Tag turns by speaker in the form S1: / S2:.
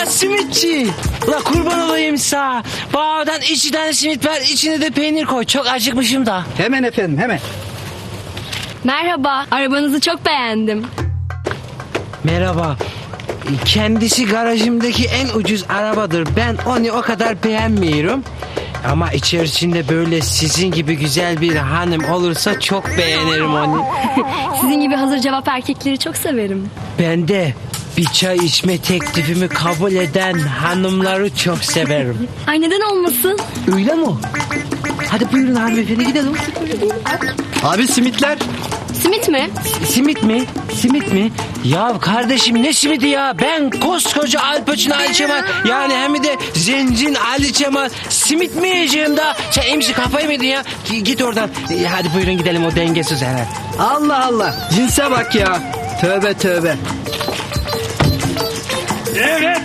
S1: simitçi. La kurban olayım sağ. Bağdan 2 tane simit ver, içine de peynir koy. Çok acıkmışım da.
S2: Hemen efendim, hemen.
S3: Merhaba, arabanızı çok beğendim.
S1: Merhaba. Kendisi garajımdaki en ucuz arabadır. Ben onu o kadar beğenmiyorum. Ama içerisinde böyle sizin gibi güzel bir hanım olursa çok beğenirim onu.
S3: Sizin gibi hazır cevap erkekleri çok severim.
S1: Ben de bir çay içme teklifimi kabul eden hanımları çok severim.
S3: Ay neden olmasın?
S1: Öyle mi? Hadi buyurun hanımefendi gidelim.
S2: Abi simitler.
S3: Simit mi?
S1: Simit mi? Simit mi? Ya kardeşim ne simidi ya? Ben koskoca Al Pacino Ali Cemal, yani hem de zencin Ali Cemal simit mi yiyeceğim daha? Sen emsi kafayı mı yedin ya? Git oradan. Hadi buyurun gidelim, o dengesiz herhalde.
S2: Allah Allah. Cinse bak ya. Tövbe tövbe.
S4: Evet.